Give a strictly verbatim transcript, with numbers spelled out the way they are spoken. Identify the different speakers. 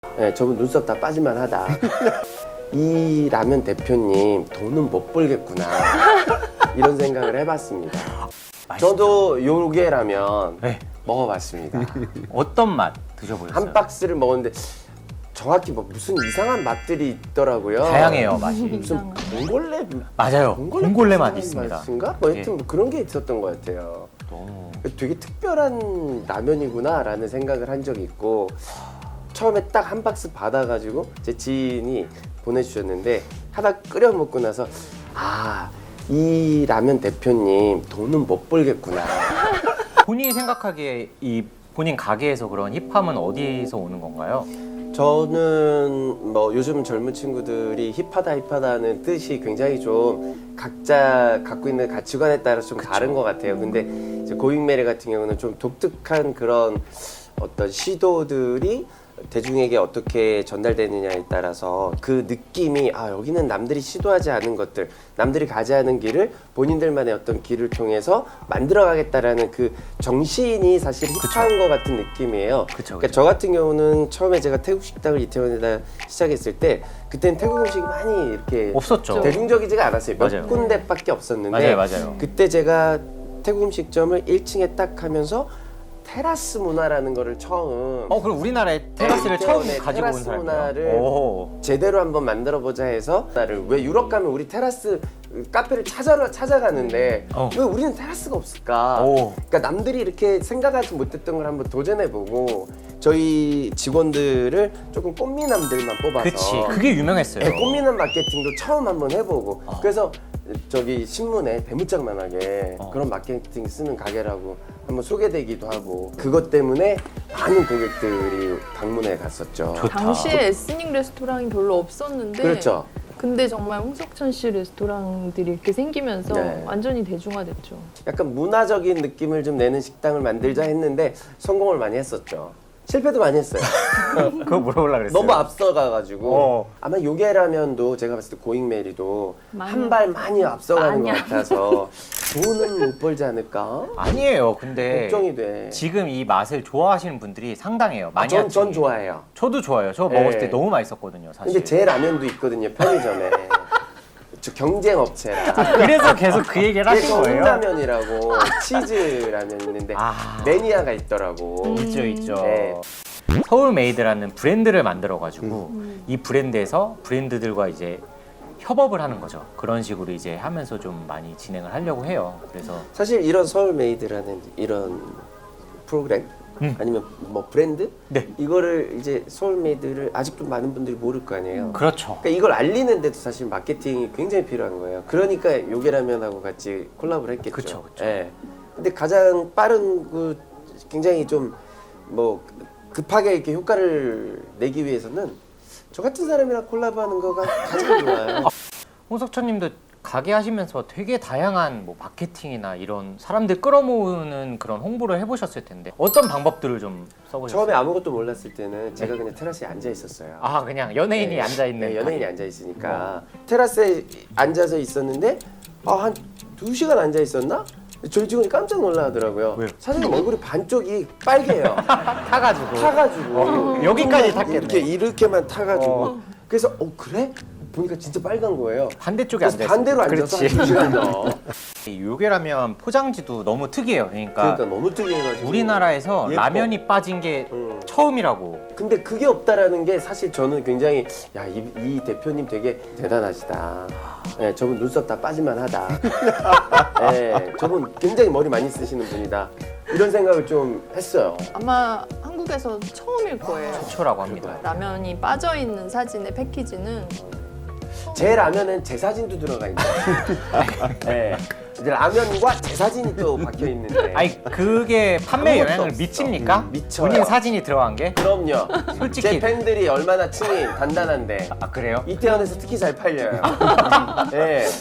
Speaker 1: 네, 저분 눈썹 다 빠질만 하다. 이 라면 대표님 돈은 못 벌겠구나. 이런 생각을 해봤습니다.
Speaker 2: 맛있죠?
Speaker 1: 저도 요게 라면
Speaker 2: 네.
Speaker 1: 먹어봤습니다.
Speaker 2: 어떤 맛 드셔보셨어요?
Speaker 1: 한 박스를 먹었는데 정확히 뭐 무슨 이상한 맛들이 있더라고요.
Speaker 2: 다양해요 맛이.
Speaker 1: 무슨 봉골레
Speaker 2: 맞아요. 봉골레 맛
Speaker 1: 비슷한
Speaker 2: 있습니다.
Speaker 1: 맛인가? 뭐 하여튼
Speaker 2: 예.
Speaker 1: 뭐 그런 게 있었던 것 같아요.
Speaker 2: 너무
Speaker 1: 되게 특별한 라면이구나라는 생각을 한 적이 있고 처음에 딱 한 박스 받아가지고 제 지인이 보내주셨는데 하다 끓여 먹고 나서 아, 이 라면 대표님 돈은 못 벌겠구나.
Speaker 2: 본인이 생각하기에 이 본인 가게에서 그런 힙함은 어디서 오는 건가요?
Speaker 1: 저는 뭐 요즘 젊은 친구들이 힙하다 힙하다는 뜻이 굉장히 좀 각자 갖고 있는 가치관에 따라서 좀 다른 것 같아요. 근데 이제 고잉메리 같은 경우는 좀 독특한 그런 어떤 시도들이 대중에게 어떻게 전달되느냐에 따라서 그 느낌이 아 여기는 남들이 시도하지 않은 것들, 남들이 가지 않은 길을 본인들만의 어떤 길을 통해서 만들어가겠다라는 그 정신이 사실 힙한 것 같은 느낌이에요.
Speaker 2: 그쵸, 그쵸.
Speaker 1: 그러니까 저 같은 경우는 처음에 제가 태국 식당을 이태원에다 시작했을 때 그때는 태국 음식이 많이 이렇게
Speaker 2: 없었죠.
Speaker 1: 대중적이지가 않았어요. 몇
Speaker 2: 맞아요.
Speaker 1: 군데밖에
Speaker 2: 맞아요,
Speaker 1: 없었는데
Speaker 2: 맞아요.
Speaker 1: 그때 제가 태국 음식점을 일 층에 딱 하면서 테라스 문화라는 거를 처음
Speaker 2: 어 그럼 우리나라에 테라스를
Speaker 1: 네,
Speaker 2: 처음
Speaker 1: 네,
Speaker 2: 가지고 온
Speaker 1: 테라스
Speaker 2: 사람이에요.
Speaker 1: 문화를
Speaker 2: 오.
Speaker 1: 제대로 한번 만들어 보자 해서 나를 왜 유럽 가면 우리 테라스 카페를 찾아러 찾아가는데
Speaker 2: 어.
Speaker 1: 왜 우리는 테라스가 없을까?
Speaker 2: 오.
Speaker 1: 그러니까 남들이 이렇게 생각하지 못했던 걸 한번 도전해 보고 저희 직원들을 조금 꽃미남들만 뽑아서
Speaker 2: 그치. 그게 유명했어요.
Speaker 1: 네, 꽃미남 마케팅도 처음 한번 해보고 그래서 저기 신문에 대문짝만하게
Speaker 2: 어.
Speaker 1: 그런 마케팅 쓰는 가게라고 한번 소개되기도 하고 그것 때문에 많은 고객들이 방문해 갔었죠.
Speaker 2: 좋다.
Speaker 3: 당시에 에스닉 레스토랑이 별로 없었는데
Speaker 1: 그렇죠.
Speaker 3: 근데 정말 홍석천 씨 레스토랑들이 이렇게 생기면서
Speaker 1: 네.
Speaker 3: 완전히 대중화됐죠.
Speaker 1: 약간 문화적인 느낌을 좀 내는 식당을 만들자 했는데 성공을 많이 했었죠. 실패도 많이 했어요.
Speaker 2: 그거 물어보려고 그랬어요.
Speaker 1: 너무 앞서가가지고
Speaker 2: 어.
Speaker 1: 아마 요게라면도 제가 봤을 때 고잉메리도
Speaker 3: 많이
Speaker 1: 한 발 많이 앞서가는
Speaker 3: 많이
Speaker 1: 것 같아서 돈은 못 벌지 않을까?
Speaker 2: 아니에요. 근데
Speaker 1: 걱정이 돼.
Speaker 2: 지금 이 맛을 좋아하시는 분들이 상당해요.
Speaker 1: 아,
Speaker 2: 많이
Speaker 1: 전, 전 좋아해요.
Speaker 2: 저도 좋아요. 저
Speaker 1: 네.
Speaker 2: 먹었을 때 너무 맛있었거든요. 사실.
Speaker 1: 근데 제 라면도 있거든요, 편의점에. 저 경쟁 업체라.
Speaker 2: 그래서 계속 그 얘기를 하신
Speaker 1: 그래서
Speaker 2: 거예요.
Speaker 1: 홍라면이라고 치즈 라면 있는데
Speaker 2: 아.
Speaker 1: 매니아가 있더라고.
Speaker 2: 있죠, 있죠.
Speaker 1: 네.
Speaker 2: 서울메이드라는 브랜드를 만들어가지고
Speaker 1: 음.
Speaker 2: 이 브랜드에서 브랜드들과 이제 협업을 하는 거죠. 그런 식으로 이제 하면서 좀 많이 진행을 하려고 해요. 그래서
Speaker 1: 사실 이런 서울메이드라는 이런 프로그램
Speaker 2: 음.
Speaker 1: 아니면 뭐 브랜드
Speaker 2: 네,
Speaker 1: 이거를 이제 서울메이드를 아직도 많은 분들이 모를 거 아니에요.
Speaker 2: 그렇죠.
Speaker 1: 그러니까 이걸 알리는데도 사실 마케팅이 굉장히 필요한 거예요. 그러니까 요게라면하고 같이 콜라보를 했겠죠.
Speaker 2: 그쵸, 그쵸.
Speaker 1: 예. 근데 가장 빠른 그 굉장히 좀 뭐 급하게 이렇게 효과를 내기 위해서는 저 같은 사람이랑 콜라보하는 거가 가장 좋아요.
Speaker 2: 홍석천님도 가게 하시면서 되게 다양한 뭐 마케팅이나 이런 사람들 끌어모으는 그런 홍보를 해보셨을 텐데 어떤 방법들을 좀 써보셨어요?
Speaker 1: 처음에 아무것도 몰랐을 때는 제가 그냥 테라스에 앉아 있었어요.
Speaker 2: 아 그냥 연예인이
Speaker 1: 네.
Speaker 2: 앉아 있는
Speaker 1: 네, 연예인이 앉아 있으니까 테라스에 앉아서 있었는데 아, 한 두 시간 앉아 있었나? 저희 직원이 깜짝 놀라더라고요.
Speaker 2: 왜요?
Speaker 1: 사장님 얼굴이 반쪽이 빨개요.
Speaker 2: 타가지고
Speaker 1: 타가지고
Speaker 2: 어, 여기까지 탔겠네.
Speaker 1: 이렇게 이렇게만 타가지고
Speaker 2: 어.
Speaker 1: 그래서 어 그래? 보니까 진짜 빨간 거예요.
Speaker 2: 반대쪽에
Speaker 1: 그래서
Speaker 2: 앉아 있어요.
Speaker 1: 반대로 앉아서 한 두 시간 더.
Speaker 2: 이 요게라면 포장지도 너무 특이해요. 그러니까,
Speaker 1: 그러니까 너무 특이해가지고
Speaker 2: 우리나라에서
Speaker 1: 예뻐.
Speaker 2: 라면이 빠진 게
Speaker 1: 음.
Speaker 2: 처음이라고.
Speaker 1: 근데 그게 없다라는 게 사실 저는 굉장히 야, 이, 이 대표님 되게 대단하시다. 네, 저분 눈썹 다 빠질만 하다. 네, 저분 굉장히 머리 많이 쓰시는 분이다. 이런 생각을 좀 했어요.
Speaker 3: 아마 한국에서 처음일 거예요.
Speaker 2: 최초라고 합니다.
Speaker 3: 라면이 빠져 있는 사진의 패키지는
Speaker 1: 제 라면은 제 사진도 들어가 있는 네. 이제 라면과 제 사진이 또 박혀 있는데.
Speaker 2: 아니 그게 판매
Speaker 1: 아무것도
Speaker 2: 영향을
Speaker 1: 없어.
Speaker 2: 미칩니까?
Speaker 1: 음, 미쳐요.
Speaker 2: 본인 사진이 들어간 게?
Speaker 1: 그럼요.
Speaker 2: 솔직히.
Speaker 1: 제 팬들이 얼마나 층이 단단한데
Speaker 2: 아 그래요?
Speaker 1: 이태원에서 특히 잘 팔려요. 네.